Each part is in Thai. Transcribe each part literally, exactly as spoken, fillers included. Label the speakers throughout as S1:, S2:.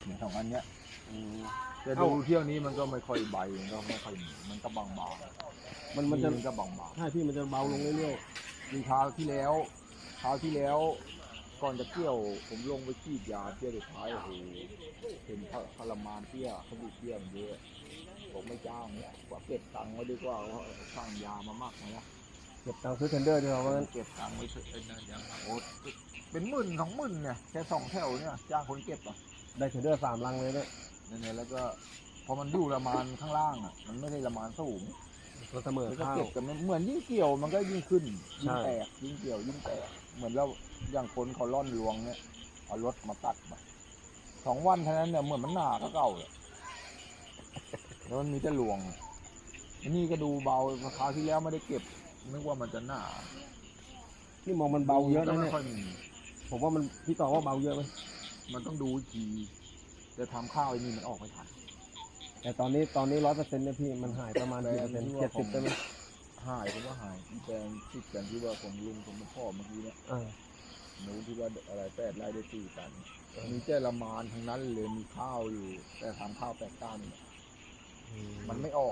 S1: เนี่ยสองอันเนี้ยจะดูเที่ยวนี้มันก็ไม่ค่อยใบมันก็ไม่ค่อยมีมันก็บางๆ
S2: มันมันจะ
S1: มันก็บางๆ
S2: ใช่พี่มันจะเบาลงเรื่อย
S1: ๆมีคราวที่แล้วคราวที่แล้วก่อนจะเที่ยวผมลงไปฉีดยาเที่ยวสุดท้ายโอ้โหเห็นทรมานเที่ยวเขาดูเที่ยวเยอะผมไม่จ้างเนี่ยว่าเก็บตังค์ไว้ดีกว่าว่าสร้างยามามากนะ
S2: ๆเก็บตังค์ซื้อเทนเดอร์ด้วยเราว่างั้น
S1: เก็บตังค์ไว้เถอะเป็นนะอย่างโอ้เป็นหมื่นสองหมื่นเนี่ยแค่สองแถวเนี่ยจ้างคนเก็บอ่ะ
S2: ได้เทนเดอร์สามลังเลยด้วย
S1: เนี่ยแล้วก็พอมันดูละมานข้างล่างอ่ะมันไม่ได้ละมานสูง
S2: ก็เสมอ
S1: แล้วก็
S2: ข้าว
S1: เก็บกันเหมือนยิ่งเกี่ยวมันก็ยิ่งขึ้นยิ่ง
S2: ใช่
S1: แตกยิ่งเกี่ยวยิ่งแตกเหมือนเราอย่างคนเขาล่อนลวงเนี่ยเอารถมาตัดมาสองวันเท่านั้นเนี่ยเหมือนมันหนาก็เก่าเลยแล้วมันมีแต่ลวงอันนี้ก็ดูเบาคราวที่แล้วไม่ได้เก็บนึกว่ามันจะหนา
S2: นี่มองมันเบาเยอะนะเนี่ย
S1: ไม่ค่อยมี
S2: ผมว่ามันพี่ต่อว่าเบาเยอะไหม
S1: มันต้องดูอีกทีจะทำข้าวไอ้นี่มันออกไม่ทัน
S2: แต่ตอนนี้ตอนนี้ร้อยเปอร์เซ็นต์เนี่ยพี่มันหายประมาณกี่เปอร์เซ็นต์เจ็ดสิบได้ไหม
S1: หายผมว่าหายที่แปลงที่กันที่ว่าของลุงของพ่อเมื่อกี้เนี่ย
S2: อ่า
S1: หนูที่ว่าอะไรแปดไร่ได้สี่ตันมีเจ้าละมานทั้งนั้นเลยมีข้าวอยู่ แต่ทำข้าวแปดตันมันไม่ออก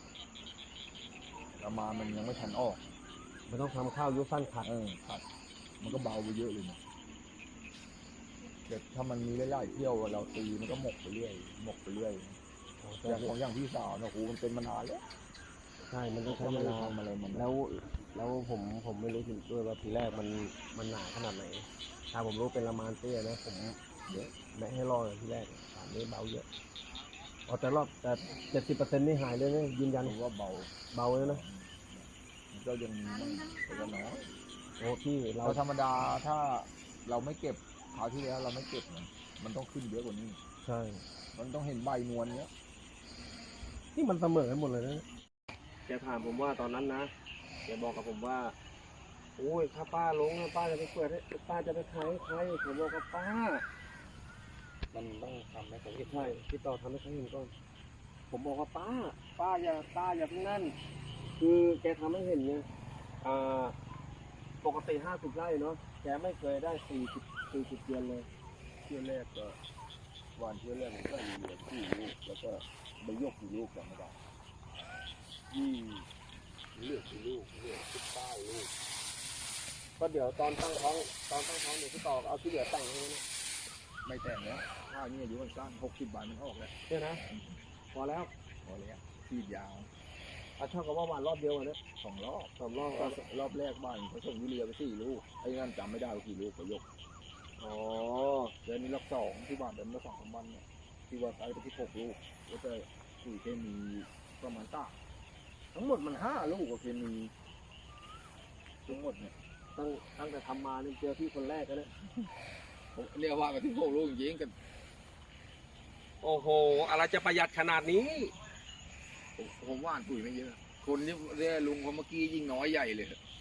S1: ละมานมันยังไม่ทันออก
S2: มันต้องทำข้าวยุสั้นขัด
S1: เออครับมันก็เบาไปเยอะเลยนะแต่ถ้ามันมีไล่ๆเที่ยวเราตีมันก็หมกไปเรื่อยหมกไปเรื่อยอย่างของอย่างพี่สาวนะครูมันเป็นมานานแล้ว
S2: ใช่มันต้องใช้เวลา
S1: ทำอะไรมัน
S2: แล้วแล้วผมผมไม่รู้จริงด้วยว่าทีแรกมันมันหนาขนาดไหนถ้าผมรู้เป็นละมานเตี้ยนะผมเยอะไม่ให้รอเลยทีแรกตอนนี้เบาเยอะอ๋อแต่รอบแต่เจ็ดสิบเปอร์เซ็นต์นี่หายเลยนะยืนยัน
S1: ผมว่าเบา
S2: เบาเลยนะ
S1: มันก็ยังมีบ้างแต่ก็น้อย
S2: โอ้พี่เรา
S1: เราธรรมดาถ้าเราไม่เก็บคราวที่แล้วเราไม่เก็บเนี่ยมันต้องขึ้นเยอะกว่านี้
S2: ใช่
S1: มันต้องเห็นใบนวลเนี้ย
S2: นี่มันเสมอกันหมดเลยนะแกถามผมว่าตอนนั้นนะแกบอกกับผมว่าโอ้ยถ้าป้าลงนะป้าจะไปเปิดให้ป้าจะไปขายให้ใครผมบอกกับป้ามันต้องทำให้เขาเห็นใช่พี่ต่อทำให้เขาเห็นก่อนผมบอกว่าป้า ป้าอย่าป้าอย่าเพิ่งนั่นคือแกทำให้เห็นไงอ่าปกติห้าสิบไร่เนาะแกไม่เคยได้สี่สิบสี่สิบเดือนเลย
S1: เที่ยวแรกก็วันเที่ยวแรกผมก็เหลือสี่ลูกแล้วก็ใบยกกี่ลูกจำไม่ได้ยี่เหลือกี่ลูกเหลือสิบเก้าลูก
S2: ก็เดี๋ยวตอนตั้งท้องตอนตั้งท้องเดี๋ยวพี่ต่อเอาที่เหลือแต่งให้นะ
S1: ไม่แต่งแล้วข้าวนี่อายุมันสั้นหกสิบบาทมันออกแล้ว
S2: เนี่ยนะพอแล้ว
S1: พอแล้วขีดยาว
S2: เอาเท่ากับว่าหวานรอบเดียวอะเนี่ย
S1: สองรอบ
S2: สองรอบ
S1: ก็
S2: ก็
S1: รอบแรกบ้านเขาส่งยูเรียไปสี่ลูกไอ้นั่นจำไม่ได้ว่ากี่ลูกไปยก
S2: อ๋อ
S1: เดือนนี้รอบสองที่บ้านเดือนละสองสามวันเนี่ยที่ว่าใช้ไปที่หกลูกแล้วก็สี่เคมีประมาณต้าทั้งหมดมันห้าลูกกับเคมีทั้งหมดเนี่ย
S2: ตั้งตั้งแต่ทำมาเนี่ยเจอพี่คนแรกแล้วเนี่ย
S1: ผมเรียกว่าไปที่หกลูกจริงๆกัน
S2: โอ้โหอะไรจะประหยัดขนาดนี้
S1: ผมผมว่านปุ๋ยไม่เยอะ คนที่เรียกลุงคนเมื่อกี้ยิ่งน้อยใหญ่เลย